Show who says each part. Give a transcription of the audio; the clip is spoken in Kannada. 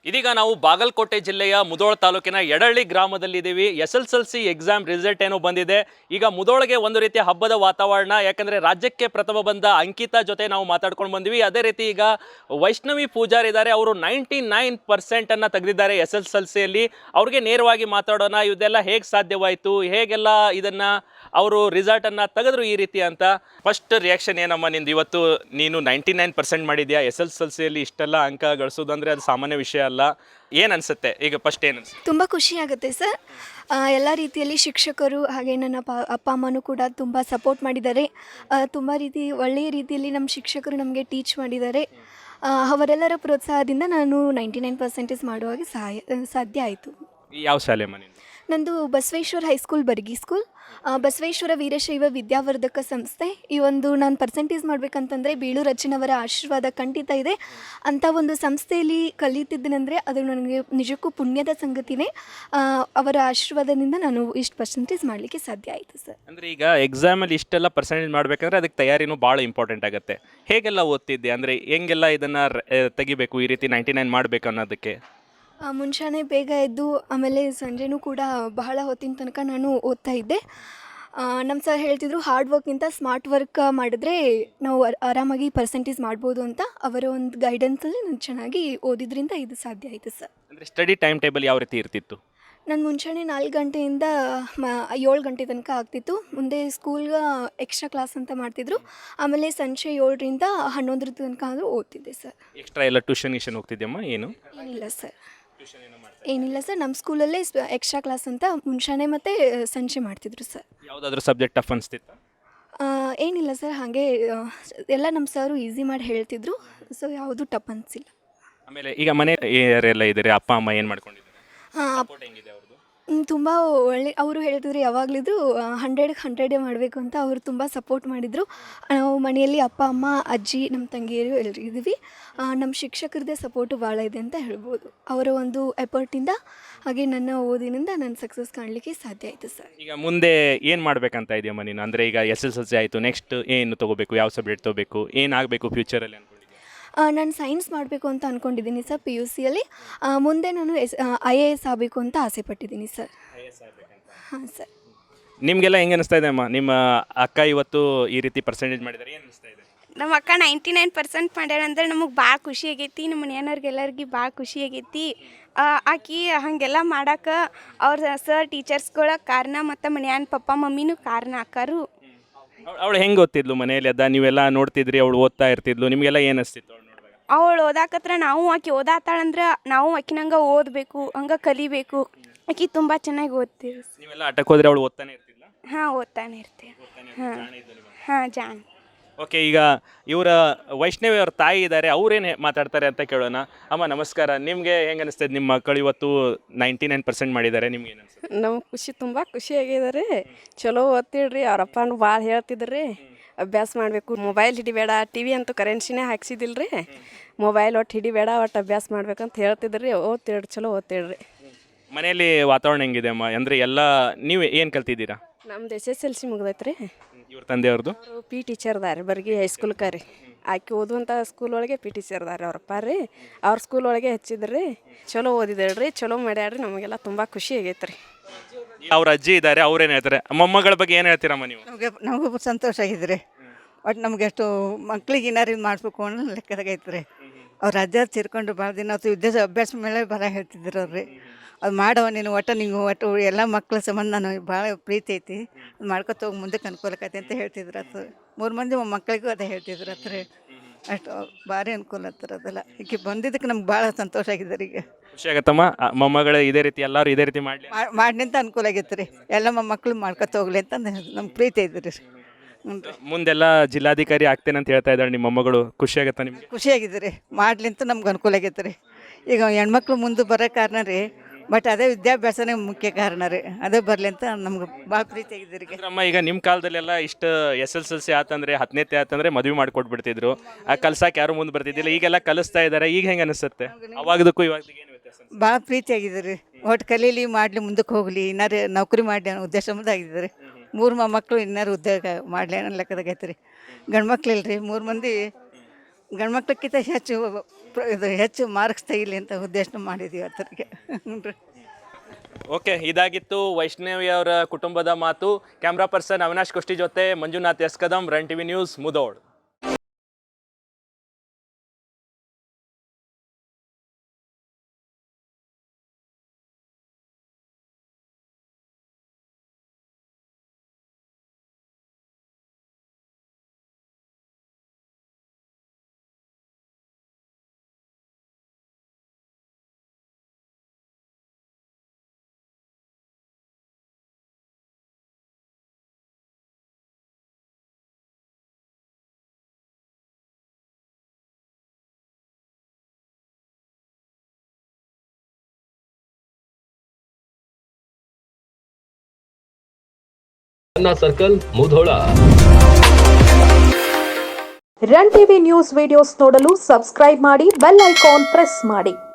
Speaker 1: ಇದೀಗ ನಾವು ಬಾಗಲಕೋಟೆ ಜಿಲ್ಲೆಯ ಮುಧೋಳ ತಾಲೂಕಿನ ಯಡಳ್ಳಿ ಗ್ರಾಮದಲ್ಲಿದ್ದೀವಿ. SSLC ಎಕ್ಸಾಮ್ ರಿಸಲ್ಟ್ ಏನೋ ಬಂದಿದೆ. ಈಗ ಮುಧೋಳಗೆ ಒಂದು ರೀತಿಯ ಹಬ್ಬದ ವಾತಾವರಣ, ಯಾಕಂದ್ರೆ ರಾಜ್ಯಕ್ಕೆ ಪ್ರಥಮ ಬಂದ ಅಂಕಿತಾ ಜೊತೆ ನಾವು ಮಾತಾಡ್ಕೊಂಡು ಬಂದ್ವಿ. ಅದೇ ರೀತಿ ಈಗ ವೈಷ್ಣವಿ ಪೂಜಾರ್ ಇದ್ದಾರೆ, ಅವರು 99% ಅನ್ನ ತೆಗೆದಿದ್ದಾರೆ SSLCಯಲ್ಲಿ. ಅವ್ರಿಗೆ ನೇರವಾಗಿ ಮಾತಾಡೋಣ, ಇದೆಲ್ಲ ಹೇಗೆ ಸಾಧ್ಯವಾಯಿತು, ಹೇಗೆಲ್ಲ ಇದನ್ನ ಅವರು ರಿಸಲ್ಟ್ ಅನ್ನ ತೆಗೆದ್ರು ಈ ರೀತಿ ಅಂತ. ಫಸ್ಟ್ ರಿಯಾಕ್ಷನ್ ಏನಮ್ಮ ನಿಂದು? ಇವತ್ತು ನೀನು 99% ಮಾಡಿದ್ಯಾ, SSLCಯಲ್ಲಿ ಇಷ್ಟೆಲ್ಲ ಅಂಕ ಗಳಿಸೋದು ಅಂದರೆ ಅದು ಸಾಮಾನ್ಯ ವಿಷಯ ಅಲ್ಲ. ಏನು ಅನಿಸುತ್ತೆ ಈಗ? ಫಸ್ಟ್ ಏನು ಅನಿಸುತ್ತೆ?
Speaker 2: ತುಂಬ ಖುಷಿ ಆಗುತ್ತೆ ಸರ್. ಎಲ್ಲ ರೀತಿಯಲ್ಲಿ ಶಿಕ್ಷಕರು ಹಾಗೆ ನನ್ನ ಅಪ್ಪ ಅಮ್ಮನೂ ಕೂಡ ತುಂಬ ಸಪೋರ್ಟ್ ಮಾಡಿದ್ದಾರೆ. ತುಂಬ ಒಳ್ಳೆಯ ರೀತಿಯಲ್ಲಿ ನಮ್ಮ ಶಿಕ್ಷಕರು ನಮಗೆ ಟೀಚ್ ಮಾಡಿದ್ದಾರೆ. ಅವರೆಲ್ಲರ ಪ್ರೋತ್ಸಾಹದಿಂದ ನಾನು 99% ಮಾಡುವಾಗ ಸಾಧ್ಯ ಆಯಿತು.
Speaker 1: ಯಾವ ಶಾಲೆ ಮನೆ?
Speaker 2: ನಂದು ಬಸವೇಶ್ವರ ಹೈಸ್ಕೂಲ್, ಬರ್ಗಿ ಸ್ಕೂಲ್, ಬಸವೇಶ್ವರ ವೀರಶೈವ ವಿದ್ಯಾವರ್ಧಕ ಸಂಸ್ಥೆ. ಈ ಒಂದು ನಾನು ಪರ್ಸೆಂಟೇಜ್ ಮಾಡಬೇಕಂತಂದರೆ ಬೇಳೂರು ಅಜ್ಜನವರ ಆಶೀರ್ವಾದ ಖಂಡಿತ ಇದೆ. ಅಂಥ ಒಂದು ಸಂಸ್ಥೆಯಲ್ಲಿ ಕಲಿತಿದ್ದೀನಂದರೆ ಅದು ನನಗೆ ನಿಜಕ್ಕೂ ಪುಣ್ಯದ ಸಂಗತಿನೇ. ಅವರ ಆಶೀರ್ವಾದದಿಂದ ನಾನು ಇಷ್ಟು ಪರ್ಸೆಂಟೇಜ್ ಮಾಡಲಿಕ್ಕೆ ಸಾಧ್ಯ ಆಯಿತು ಸರ್.
Speaker 1: ಅಂದರೆ ಈಗ ಎಕ್ಸಾಮಲ್ಲಿ ಇಷ್ಟೆಲ್ಲ ಪರ್ಸೆಂಟೇಜ್ ಮಾಡಬೇಕಂದ್ರೆ ಅದಕ್ಕೆ ತಯಾರಿನೂ ಭಾಳ ಇಂಪಾರ್ಟೆಂಟ್ ಆಗುತ್ತೆ. ಹೇಗೆಲ್ಲ ಓದ್ತಿದ್ದೆ? ಅಂದರೆ ಹೆಂಗೆಲ್ಲ ಇದನ್ನು ತೆಗಿಬೇಕು, ಈ ರೀತಿ 99 ಮಾಡಬೇಕು ಅನ್ನೋದಕ್ಕೆ?
Speaker 2: ಮುಂಜಾನೆ ಬೇಗ ಎದ್ದು ಆಮೇಲೆ ಸಂಜೆನೂ ಕೂಡ ಬಹಳ ಹೊತ್ತಿನ ತನಕ ನಾನು ಓದ್ತಾ ಇದ್ದೆ. ನಮ್ಮ ಸರ್ ಹೇಳ್ತಿದ್ರು, ಹಾರ್ಡ್ ವರ್ಕ್ಗಿಂತ ಸ್ಮಾರ್ಟ್ ವರ್ಕ್ ಮಾಡಿದ್ರೆ ನಾವು ಆರಾಮಾಗಿ ಪರ್ಸೆಂಟೇಜ್ ಮಾಡ್ಬೋದು ಅಂತ. ಅವರ ಒಂದು ಗೈಡೆನ್ಸಲ್ಲಿ ನಾನು ಚೆನ್ನಾಗಿ ಓದಿದ್ರಿಂದ ಇದು ಸಾಧ್ಯ ಆಯಿತು ಸರ್.
Speaker 1: ಅಂದರೆ ಸ್ಟಡಿ ಟೈಮ್ ಟೇಬಲ್ ಯಾವ ರೀತಿ ಇರ್ತಿತ್ತು?
Speaker 2: ನಾನು ಮುಂಚೆನೇ 4 ಗಂಟೆಯಿಂದ 7 ಗಂಟೆ ತನಕ ಆಗ್ತಿತ್ತು. ಮುಂದೆ ಸ್ಕೂಲ್ಗೆ ಎಕ್ಸ್ಟ್ರಾ ಕ್ಲಾಸ್ ಅಂತ ಮಾಡ್ತಿದ್ರು. ಆಮೇಲೆ ಸಂಜೆ 7ರಿಂದ 11 ತನಕ ಆದರೂ ಓದ್ತಿದ್ದೆ ಸರ್.
Speaker 1: ಎಕ್ಸ್ಟ್ರಾ ಎಲ್ಲ ಟ್ಯೂಷನ್ ಹೋಗ್ತಿದ್ದೆಮ್ಮ? ಏನು
Speaker 2: ಏನಿಲ್ಲ ಸರ್, ನಮ್ಮ ಸ್ಕೂಲಲ್ಲೇ ಎಕ್ಸ್ಟ್ರಾ ಕ್ಲಾಸ್ ಅಂತ ಮುಂಚಾನೆ ಮತ್ತು ಸಂಜೆ ಮಾಡ್ತಿದ್ರು ಸರ್.
Speaker 1: ಯಾವುದಾದ್ರೂ ಸಬ್ಜೆಕ್ಟ್ ಟಫ್ ಅನಿಸ್ತಿತ್ತು?
Speaker 2: ಏನಿಲ್ಲ ಸರ್, ಹಾಗೆ ಎಲ್ಲ ನಮ್ಮ ಸರು ಈಸಿ ಮಾಡಿ ಹೇಳ್ತಿದ್ರು. ಸೊ ಯಾವುದು ಟಫ್ ಅನಿಸಿಲ್ಲ.
Speaker 1: ಆಮೇಲೆ ಈಗ ಮನೆ ಯಾರೆಲ್ಲ ಇದ್ದಾರೆ? ಅಪ್ಪ ಅಮ್ಮ ಏನು ಮಾಡ್ಕೊಂಡಿದ್ದಾರೆ? ಹೆಂಗಿದೆ ಅವ್ರದ್ದು?
Speaker 2: ತುಂಬ ಒಳ್ಳೆ, ಅವರು ಹೇಳ್ತಿದ್ರು ಯಾವಾಗಲಿದ್ರು 100 ಮಾಡಬೇಕು ಅಂತ. ಅವರು ತುಂಬ ಸಪೋರ್ಟ್ ಮಾಡಿದರು. ನಾವು ಮನೆಯಲ್ಲಿ ಅಪ್ಪ ಅಮ್ಮ ಅಜ್ಜಿ ನಮ್ಮ ತಂಗಿಯರು ಎಲ್ಲರೂ ಇದ್ದೀವಿ. ನಮ್ಮ ಶಿಕ್ಷಕರದ್ದೇ ಸಪೋರ್ಟು ಭಾಳ ಇದೆ ಅಂತ ಹೇಳ್ಬೋದು. ಅವರ ಒಂದು ಎಫರ್ಟಿಂದ ಹಾಗೆ ನನ್ನ ಓದಿನಿಂದ ನಾನು ಸಕ್ಸಸ್ ಕಾಣಲಿಕ್ಕೆ ಸಾಧ್ಯ ಆಯಿತು ಸರ್.
Speaker 1: ಈಗ ಮುಂದೆ ಏನು ಮಾಡಬೇಕಂತ ಇದೆಯಮ್ಮ ನೀನು? ಅಂದರೆ ಈಗ SSLC ಆಯಿತು, ನೆಕ್ಸ್ಟ್ ಏನು ತೊಗೋಬೇಕು, ಯಾವ ಸಬ್ಜೆಕ್ಟ್ ತೊಗೋಬೇಕು, ಏನಾಗಬೇಕು ಫ್ಯೂಚರಲ್ಲಿ ಅನ್ಕೊಂಡಿದ್ದೆ?
Speaker 2: ನಾನು ಸೈನ್ಸ್ ಮಾಡಬೇಕು ಅಂತ ಅಂದ್ಕೊಂಡಿದ್ದೀನಿ ಸರ್. PUCಯಲ್ಲಿ ಮುಂದೆ ನಾನು IAS ಆಗಬೇಕು ಅಂತ ಆಸೆ ಪಟ್ಟಿದ್ದೀನಿ ಸರ್. ಹಾಂ ಸರ್.
Speaker 1: ನಿಮಗೆಲ್ಲ ಹೆಂಗೆ ಅನಿಸ್ತಾ ಇದೆ ಅಮ್ಮ? ನಿಮ್ಮ ಅಕ್ಕ ಇವತ್ತು ಈ ರೀತಿ ಪರ್ಸೆಂಟೇಜ್ ಮಾಡಿದ್ದಾರೆ, ಏನು ಅನಿಸ್ತಾ ಇದೆ?
Speaker 3: ನಮ್ಮ ಅಕ್ಕ 99% ಮಾಡ್ಯಾಳಂದ್ರೆ ನಮಗೆ ಭಾಳ ಖುಷಿ ಆಗೈತಿ. ನಮ್ಮ ಮನೆಯವ್ರಿಗೆಲ್ಲರಿಗೆ ಭಾಳ ಖುಷಿ ಆಗೈತಿ. ಆಕಿ ಹಾಗೆಲ್ಲ ಮಾಡಕ್ಕೆ ಅವ್ರ ಸರ್ ಟೀಚರ್ಸ್ಗಳ ಕಾರಣ ಮತ್ತು ಮನೆಯನ್ ಪಪ್ಪ ಮಮ್ಮಿನೂ ಕಾರಣ ಆಕಾರು.
Speaker 1: ಅವಳು ಹೆಂಗೆ ಓದ್ತಿದ್ಲು ಮನೆಯಲ್ಲಿ? ಅದ ನೀವೆಲ್ಲ ನೋಡ್ತಿದ್ರಿ, ಅವಳು ಓದ್ತಾ ಇರ್ತಿದ್ಲು, ನಿಮಗೆಲ್ಲ ಏನು ಅನಿಸ್ತಿತ್ತು ಅವಳು ನೋಡುವಾಗ?
Speaker 3: ಅವಳು ಓದಾಕತ್ರ ನಾವು ಆಕಿ ಓದಾತಾಳಂದ್ರೆ ನಾವು ಆಕಿನಂಗೆ ಓದಬೇಕು, ಹಂಗೆ ಕಲಿಬೇಕು. ಆಕಿ ತುಂಬ ಚೆನ್ನಾಗಿ ಓದ್ತೀವಿ.
Speaker 1: ನೀವೆಲ್ಲ ಆಟಕ್ಕೆ ಹೋದ್ರೆ ಅವಳು ಓದ್ತಾನೆ ಇರ್ತಿಲ್ಲ?
Speaker 3: ಹಾಂ, ಓದ್ತಾನೆ ಇರ್ತೀವಿ. ಹಾಂ, ಜಾನ್.
Speaker 1: ಓಕೆ, ಈಗ ಇವರ ವೈಷ್ಣವಿ ಅವ್ರ ತಾಯಿ ಇದ್ದಾರೆ, ಅವ್ರೇನು ಮಾತಾಡ್ತಾರೆ ಅಂತ ಕೇಳೋಣ. ಅಮ್ಮ ನಮಸ್ಕಾರ. ನಿಮಗೆ ಹೆಂಗೆ ಅನಿಸ್ತದೆ? ನಿಮ್ಮ ಮಕ್ಕಳು ಇವತ್ತು 99% ಮಾಡಿದ್ದಾರೆ, ನಿಮ್ಗೆ ಏನು ಅನಿಸ್ತದೆ?
Speaker 4: ನಮ್ಗೆ ತುಂಬ ಖುಷಿಯಾಗಿದ್ದಾರೆ. ಚಲೋ ಓದ್ತಿಡ್ರಿ. ಅವ್ರ ಅಪ್ಪನೂ ಭಾಳ ಹೇಳ್ತಿದ್ರಿ, ಅಭ್ಯಾಸ ಮಾಡಬೇಕು, ಮೊಬೈಲ್ ಹಿಡಿಬೇಡ, TV ಅಂತೂ ಕರೆನ್ಸಿನೇ ಹಾಕ್ಸಿದಿಲ್ರಿ, ಮೊಬೈಲ್ ಒಟ್ಟು ಹಿಡಿಬೇಡ, ಒಟ್ಟು ಅಭ್ಯಾಸ ಮಾಡ್ಬೇಕಂತ ಹೇಳ್ತಿದ್ರಿ. ಓದ್ತಿಡ್ರಿ, ಚಲೋ ಓದ್ತಿಡ್ರಿ.
Speaker 1: ಮನೆಯಲ್ಲಿ ವಾತಾವರಣ ಹೆಂಗಿದೆ ಅಮ್ಮ? ಅಂದರೆ ಎಲ್ಲ ನೀವು ಏನು ಕಲ್ತಿದ್ದೀರಾ?
Speaker 4: ನಮ್ದು SSLC ಮುಗ್ದೈತ್ರಿ.
Speaker 1: ಇವ್ರ ತಂದೆಯವ್ರದ್ದು?
Speaker 4: ಅವರು P ಟೀಚರ್ ಅದಾರೆ ಬರ್ಗಿ ಹೈಸ್ಕೂಲ್ಗೆ ರೀ. ಆಕೆ ಓದುವಂಥ ಸ್ಕೂಲ್ ಒಳಗೆ P ಟೀಚರ್ ಅದಾರೆ ಅವ್ರಪ್ಪ ರೀ. ಅವ್ರ ಸ್ಕೂಲ್ ಒಳಗೆ ಹಚ್ಚಿದ್ರಿ. ಚಲೋ ಓದಿದೇಳ್ರಿ, ಚಲೋ ಮಾಡ್ಯಾಡ್ರಿ. ನಮಗೆಲ್ಲ ತುಂಬ ಖುಷಿ ಆಗೈತೆ ರೀ.
Speaker 1: ಅವ್ರ ಅಜ್ಜಿ ಇದ್ದಾರೆ, ಅವ್ರೇನು ಹೇಳ್ತಾರೆ? ಮೊಮ್ಮಗಳ ಬಗ್ಗೆ ಏನು ಹೇಳ್ತೀರಮ್ಮ ನೀವು?
Speaker 5: ನಮಗೂ ಸಂತೋಷ ಆಗಿದ್ರಿ. ಒಟ್ಟು ನಮ್ಗೆ ಎಷ್ಟು ಮಕ್ಳಿಗೆ ಏನಾರು ಇದು ಮಾಡಿಸ್ಬೇಕು ಅನ್ನೋ ಲೆಕ್ಕದಾಗ ಐತ್ರಿ. ಅವ್ರ ಅಜ್ಜ ತೀರ್ಕೊಂಡು ಭಾಳ ದಿನ ಆಯ್ತು. ಅಭ್ಯಾಸ ಮೇಲೆ ಬರ ಹೇಳ್ತಿದ್ರು ಅವ್ರಿ. ಅದು ಮಾಡವ ನೀನು, ಒಟ್ಟು ಎಲ್ಲ ಮಕ್ಳ ಸಂಬಂಧ ನಾನು ಭಾಳ ಪ್ರೀತಿ ಐತಿ, ಅದು ಮಾಡ್ಕೊತ ಹೋಗಿ ಮುಂದಕ್ಕೆ ಅನುಕೂಲಕೈತಿ ಅಂತ ಹೇಳ್ತಿದ್ರು. ಅದು 3 ಮಂದಿ ಮಕ್ಕಳಿಗೂ ಅದೇ ಹೇಳ್ತಿದ್ರು ಹತ್ರ. ಅಷ್ಟು ಭಾರಿ ಅನುಕೂಲ ಹತ್ರ ಅದೆಲ್ಲ. ಈಗ ಬಂದಿದ್ದಕ್ಕೆ ನಮ್ಗೆ ಭಾಳ ಸಂತೋಷ ಆಗಿದ್ದಾರೆ. ಈಗ
Speaker 1: ಖುಷಿ ಆಗತ್ತಮ್ಮ, ಮೊಮ್ಮಗಳು ಇದೇ ರೀತಿ ಎಲ್ಲರೂ ಇದೇ ರೀತಿ ಮಾಡಲಿ
Speaker 5: ಮಾಡಿನಿಂತ ಅನುಕೂಲ ಆಗೈತೆ ರೀ. ಎಲ್ಲ ಮಕ್ಕಳು ಮಾಡ್ಕೊತ ಹೋಗ್ಲಿ ಅಂತ ನಮ್ಗೆ ಪ್ರೀತಿ ಐತ್ರಿ.
Speaker 1: ಮುಂದೆಲ್ಲ ಜಿಲ್ಲಾಧಿಕಾರಿ ಆಗ್ತೇನೆ ಅಂತ ಹೇಳ್ತಾ ಇದ್ದಾಳೆ ನಿಮ್ಮ ಮೊಮ್ಮಗಳು. ಖುಷಿ ಆಗತ್ತಾ ನಿಮಗೆ?
Speaker 5: ಖುಷಿಯಾಗಿದೆ ರೀ. ಮಾಡ್ಲಿಂತ ನಮ್ಗೆ ಅನುಕೂಲ ಆಗೈತೆ ರೀ. ಈಗ ಹೆಣ್ಮಕ್ಳು ಮುಂದೆ ಬರೋ ಕಾರಣ ರೀ, ಬಟ್ ಅದೇ ವಿದ್ಯಾಭ್ಯಾಸನೇ ಮುಖ್ಯ ಕಾರಣ ರೀ. ಅದೇ ಬರಲಿ ಅಂತ ನಮ್ಗೆ ಭಾಳ ಪ್ರೀತಿ ಆಗಿದೆ ರೀ.
Speaker 1: ಅಮ್ಮ, ಈಗ ನಿಮ್ಮ ಕಾಲದಲ್ಲೆಲ್ಲ ಇಷ್ಟು SSLC ಆತಂದ್ರೆ 10ನೇ ಆತಂದ್ರೆ ಮದುವೆ ಮಾಡಿಕೊಟ್ಬಿಡ್ತಿದ್ರು. ಆ ಕಲ್ಸಕ್ಕೆ ಯಾರು ಮುಂದೆ ಬರ್ತಿದ್ದಿಲ್ಲ. ಈಗೆಲ್ಲ ಕಲಿಸ್ತಾ ಇದ್ದಾರೆ. ಈಗ ಹೆಂಗೆ ಅನಿಸುತ್ತೆ? ಅವಾಗದಕ್ಕೂ ಇವಾಗದಕ್ಕೆ ಏನು ವ್ಯತ್ಯಾಸ?
Speaker 5: ಭಾಳ ಪ್ರೀತಿ ಆಗಿದೆ ರೀ. ಒಟ್ಟು ಕಲೀಲಿ, ಮಾಡಲಿ, ಮುಂದಕ್ಕೆ ಹೋಗಲಿ, ಇನ್ನಾರು ನೌಕರಿ ಮಾಡಲಿ ಅನ್ನೋ ಉದ್ದೇಶ ಮುಂದಾಗಿದೆ ರೀ. 3 ಮಕ್ಕಳು ಇನ್ನಾರು ಉದ್ಯೋಗ ಮಾಡಲಿ ಅನ್ನೋ ಲೆಕ್ಕದಾಗ ಐತೆ ರೀ. ಗಂಡು ಮಕ್ಳು ಇಲ್ರಿ, 3 ಮಂದಿ ಗಂಡ್ಮಕ್ಳಕ್ಕಿಂತ ಹೆಚ್ಚು ಇದು ಹೆಚ್ಚು ಮಾರ್ಕ್ಸ್ ತೆಗಿಲಿ ಅಂತ ಉದ್ದೇಶ ಮಾಡಿದ್ದೀವಿ ಆತರಿಗೆ ಹ್ಞೂ ರೀ.
Speaker 1: ಓಕೆ, ಇದಾಗಿತ್ತು ವೈಷ್ಣವಿ ಅವರ ಕುಟುಂಬದ ಮಾತು. ಕ್ಯಾಮ್ರಾ ಪರ್ಸನ್ ಅವಿನಾಶ್ ಕುಷ್ಟಿ ಜೊತೆ Manjunath S Kadam, run TV news, Mudhol.
Speaker 6: Circle Mudhol.
Speaker 7: Run TV news videos ನೋಡಲು ಸಬ್ಸ್ಕ್ರೈಬ್ ಮಾಡಿ, ಬೆಲ್ ಐಕಾನ್ ಪ್ರೆಸ್ ಮಾಡಿ.